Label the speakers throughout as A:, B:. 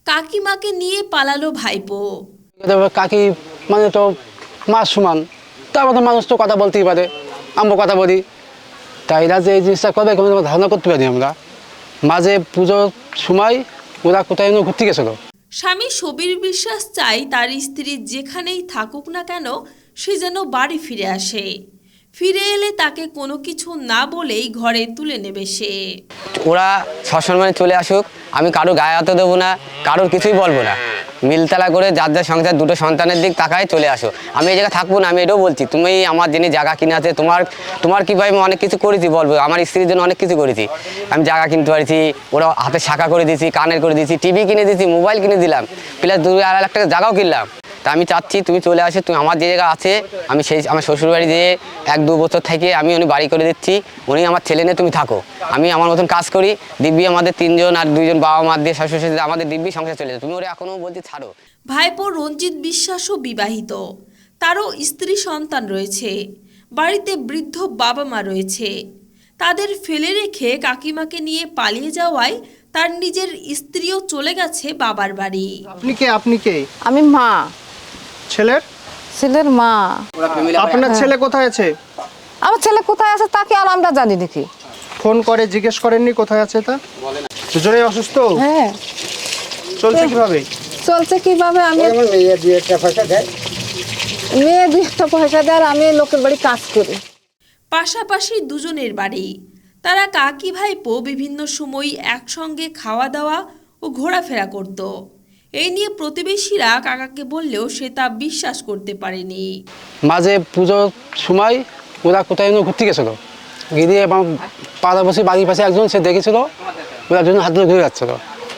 A: কাকিমাকে নিয়ে পালালো ভাইপো।
B: কাকি মানে তো মার সমান, তারপর তো মানুষ তো কথা বলতেই পারে, আমরা কথা বলি, তাই এরা যে এই জিনিসটা করবে কোনো ধারণা করতে পারি আমরা। মাঝে পুজোর সময় ওরা কোথায় ঘুরতে গেছিলো।
A: স্বামী সবির বিশ্বাস চাই তার স্ত্রী যেখানেই থাকুক না কেন সে যেন বাড়ি ফিরে আসে। ফিরে এলে তাকে কোনো কিছু না বলেই ঘরে তুলে নেবে সে।
C: ওরা সসম্মানে চলে আসুক, আমি কারোর গায়ে হাতে দেবো না, কারোর কিছুই বলবো না। মিলতলা করে যার যার সংসার দুটো সন্তানের দিক তাকায় চলে আসো। আমি এই জায়গায় থাকবো না, আমি এটাও বলছি। তুমি আমার যিনি জায়গা কিনে আছে, তোমার কি ভাই আমি অনেক কিছু করেছি বলবো, আমার স্ত্রীর জন্য অনেক কিছু করেছি। আমি জায়গা কিনতে পারছি, ওরা হাতে শাখা করে দিয়েছি, কানের করে দিয়েছি, টিভি কিনে দিয়েছি, মোবাইল কিনে দিলাম, প্লাস 2-2.5 লাখ টাকা জায়গাও কিনলাম। তা আমি চাচ্ছি তুমি চলে আসো, তুমি আমার যে জায়গা আছে আমি সেই আমার শ্বশুরবাড়ি যেয়ে 1-2 বছর থেকে আমি উনি বাড়ি করে দিচ্ছি, উনি আমার ছেলে নিয়ে তুমি থাকো, আমি আমার মতন কাজ করি, দিব্যি আমাদের 3 জন আর 2 জন বাবা মা দিয়ে শ্বশুর শাশুড়ি আমাদের দিব্যি সংসার চলে যায়। তুমি ওরা এখনও বলছি ছাড়ো।
A: ভাইপো রঞ্জিত বিশ্বাসও বিবাহিত, তারও স্ত্রী সন্তান রয়েছে, বাড়িতে বৃদ্ধ বাবা মা রয়েছে। তাদের ফেলে রেখে কাকিমাকে নিয়ে পালিয়ে যাওয়ায় তার নিজের স্ত্রীও চলে গেছে বাবার বাড়ি।
D: আপনি কে?
E: আমি মা, ছেলের মা।
D: আপনার ছেলে কোথায় আছে?
E: আমার ছেলে কোথায় আছে তাকে আর আমরা জানি নাকি?
D: ফোন করে জিজ্ঞেস করেননি কোথায় আছে? তা দুজনেই অসুস্থ?
E: হ্যাঁ।
D: চলছে কিভাবে?
E: চলছে কিভাবে? আমি মেয়ে 2-1টা পয়সা দেয়, আমি লোকের বাড়ি কাজ করি।
A: পাশাপাশি দুজনের বাড়ি। তারা কাকি ভাইপো বিভিন্ন সময় একসঙ্গে খাওয়া দাওয়া ও ঘোরাফেরা করত। এই নিয়ে প্রতিবেশীরা কাকাকে বললেও সে তা বিশ্বাস করতে পারেনি।
B: মাঝে পুজোর সময় ওরা কোথায় ঘুরতে গেছিলো, গিয়ে পাড়াপাশি বাড়ির পাশে একজন সে দেখেছিল, ওরা দুজন হাত ধরে ঘুরে যাচ্ছিলো।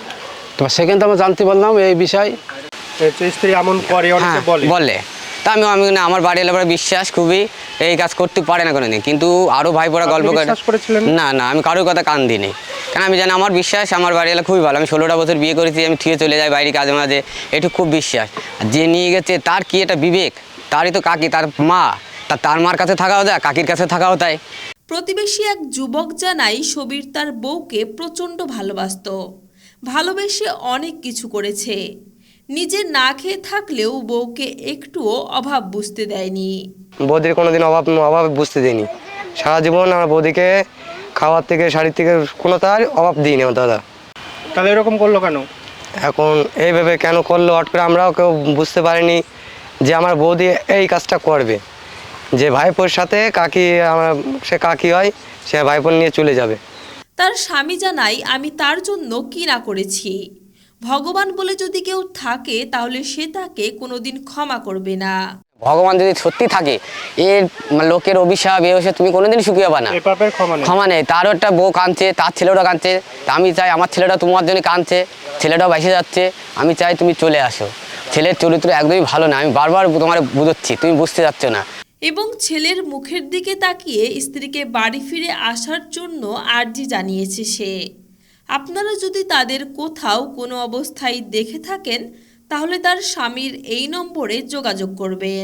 B: তো সেখান থেকে আমরা জানতে পারলাম এই বিষয়।
D: স্ত্রী এমন করে, অনেকে
C: বলে তা আমি না, আমার বাড়ি এলাকার বিশ্বাস খুবই, এই কাজ করতে পারে না কোনোদিন। কিন্তু আরও ভাইপোরা গল্প করে। না না, আমি কারোর কথা কান দিইনি, কারণ আমি জানি আমার বিশ্বাস আমার বাড়ি এলাকা খুবই ভালো। আমি 16টা বছর বিয়ে করেছি, আমি ঠিক চলে যাই বাইরে কাজে মাঝে, একটু খুব বিশ্বাস। যে নিয়ে গেছে তার কি এটা বিবেক? তারই তো কাকি, তার মা, তার মার কাছে থাকাও যায়, কাকির কাছে থাকাও তাই।
A: প্রতিবেশী এক যুবক জানাই সবির তার বউকে প্রচণ্ড ভালোবাসত, ভালোবেসে অনেক কিছু করেছে। নিজে না খেয়ে থাকলেও বউকে একটুও অভাব বুঝতে দেয়নি।
F: বৌদির কোনোদিন অভাব বুঝতে দিইনি। সারা জীবন আমার বৌদিকে খাওয়ার থেকে শাড়ির থেকে কোনো তার অভাব দিইনি আমার দাদা।
D: তাহলে এরকম করলো কেন?
F: এখন এইভাবে কেন করলো হট করে আমরাও কেউ বুঝতে পারিনি যে আমার বৌদি এই কাজটা করবে, যে ভাইপোর সাথে কাকি, আমার সে কাকি হয়, সে ভাইপোর নিয়ে চলে যাবে।
A: তার স্বামী জানাই আমি তার জন্য কি না করেছি। ভগবান বলে যদি কেউ থাকে তাহলে সে তাকে কোনোদিন ক্ষমা করবে না।
C: ভগবান যদি সত্যি থাকে, এর লোকের অভিশাপ এ হচ্ছে তুমি কোনোদিন সুখী হবে না, ক্ষমা নেই। তারও একটা বউ কাঁদছে, তার ছেলেটা কাঁদছে, তা আমি চাই আমার ছেলেটা তোমার জন্য কাঁদছে, ছেলেটাও ভেসে যাচ্ছে, আমি চাই তুমি চলে আসো। ছেলের চরিত্র একদমই ভালো না, আমি বারবার তোমার বুঝাচ্ছি, তুমি বুঝতে যাচ্ছ না।
A: এবং ছেলের মুখের দিকে তাকিয়ে স্ত্রীকে বাড়ি ফিরে আসার জন্য আর্জি জানিয়েছে সে। আপনারা যদি তাদের কোথাও কোনো অবস্থায় দেখে থাকেন তাহলে তার স্বামীর এই নম্বরে যোগাযোগ করবেন।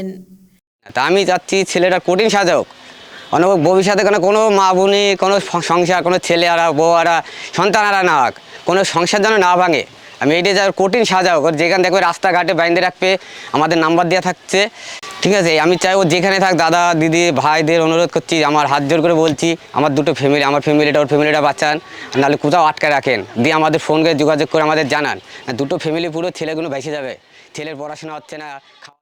C: তা আমি চাচ্ছি ছেলেটা কঠিন সাজা হোক, অনেক ভবিষ্যতে কোনো মা বোনে কোনো সংসার, কোনো ছেলে আরা বউ আরা সন্তান আরা না হোক, কোনো সংসার যেন না ভাঙে, আমি এইটা যা কঠিন সাজা হোক। যেখানে দেখবে রাস্তাঘাটে বাইন্দে রাখবে, আমাদের নাম্বার দেওয়া থাকছে, ঠিক আছে? আমি চাই ও যেখানে থাক, দাদা দিদি ভাইদের অনুরোধ করছি, আমার হাত জোর করে বলছি, আমার দুটো ফ্যামিলি, আমার ফ্যামিলিটা ওর ফ্যামিলিটা বাঁচান, নাহলে কোথাও আটকে রাখেন, দিয়ে আমাদের ফোন করে যোগাযোগ করে আমাদের জানান। দুটো ফ্যামিলি পুরো ছেলেগুলো ভেসে যাবে, ছেলের পড়াশোনা হচ্ছে না।